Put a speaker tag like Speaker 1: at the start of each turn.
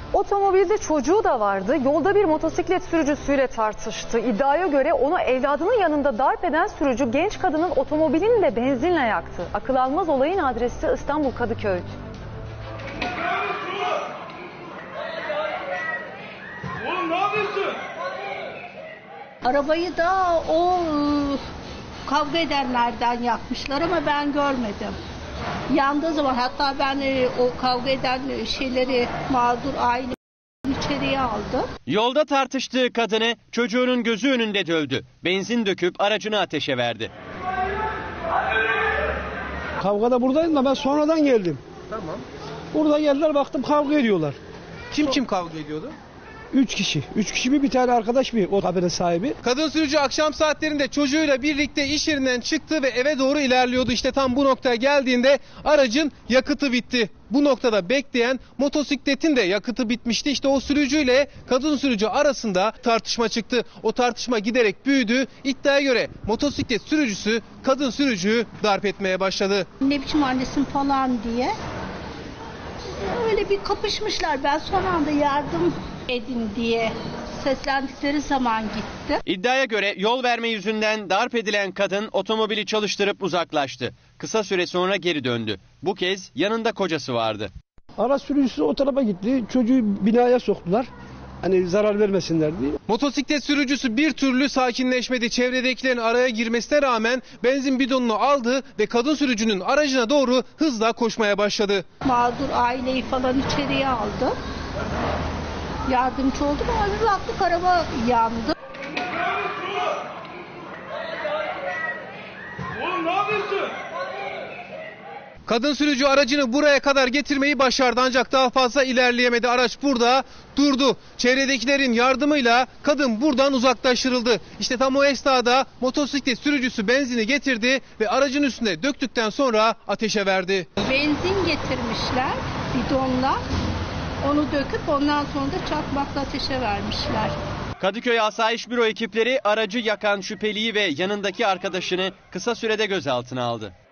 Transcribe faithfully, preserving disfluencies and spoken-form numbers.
Speaker 1: Otomobilde çocuğu da vardı. Yolda bir motosiklet sürücüsüyle tartıştı. İddiaya göre onu evladının yanında darp eden sürücü genç kadının otomobilini de benzinle yaktı. Akıl almaz olayın adresi İstanbul Kadıköy.
Speaker 2: Oğlum ne yapıyorsun?
Speaker 3: Arabayı da o kavga edenlerden yakmışlar ama ben görmedim. Yandığı zaman hatta ben o kavga eden şeyleri mağdur aile içeriye aldı.
Speaker 4: Yolda tartıştığı kadını çocuğunun gözü önünde dövdü. Benzin döküp aracını ateşe verdi.
Speaker 5: Kavgada buradaydım da ben sonradan geldim.
Speaker 6: Tamam.
Speaker 5: Burada geldiler, baktım kavga ediyorlar.
Speaker 6: Kim kim kavga ediyordu?
Speaker 5: Üç kişi. Üç kişi bir, bir tane arkadaş bir o kabenin sahibi.
Speaker 6: Kadın sürücü akşam saatlerinde çocuğuyla birlikte iş yerinden çıktı ve eve doğru ilerliyordu. İşte tam bu noktaya geldiğinde aracın yakıtı bitti. Bu noktada bekleyen motosikletin de yakıtı bitmişti. İşte o sürücüyle kadın sürücü arasında tartışma çıktı. O tartışma giderek büyüdü. İddiaya göre motosiklet sürücüsü kadın sürücüyü darp etmeye başladı.
Speaker 3: Ne biçim annesin falan diye. Öyle bir kapışmışlar. Ben son anda yardım edin diye seslendikleri zaman gitti.
Speaker 4: İddiaya göre yol verme yüzünden darp edilen kadın otomobili çalıştırıp uzaklaştı. Kısa süre sonra geri döndü. Bu kez yanında kocası vardı.
Speaker 5: Araç sürücüsü o tarafa gitti. Çocuğu binaya soktular. Hani zarar vermesinler diye.
Speaker 6: Motosiklet sürücüsü bir türlü sakinleşmedi. Çevredekilerin araya girmesine rağmen benzin bidonunu aldı ve kadın sürücünün aracına doğru hızla koşmaya başladı.
Speaker 3: Mağdur aileyi falan içeriye aldı. Yardımcı oldum ama bir baktık araba yandı.
Speaker 2: Oğlum ne yapıyorsun?
Speaker 6: Kadın sürücü aracını buraya kadar getirmeyi başardı ancak daha fazla ilerleyemedi. Araç burada durdu. Çevredekilerin yardımıyla kadın buradan uzaklaştırıldı. İşte tam o esnada motosiklet sürücüsü benzini getirdi ve aracın üstüne döktükten sonra ateşe verdi.
Speaker 3: Benzin getirmişler bidonla. Onu döküp ondan sonra da çakmakla ateşe vermişler.
Speaker 4: Kadıköy Asayiş Büro ekipleri aracı yakan şüpheliyi ve yanındaki arkadaşını kısa sürede gözaltına aldı.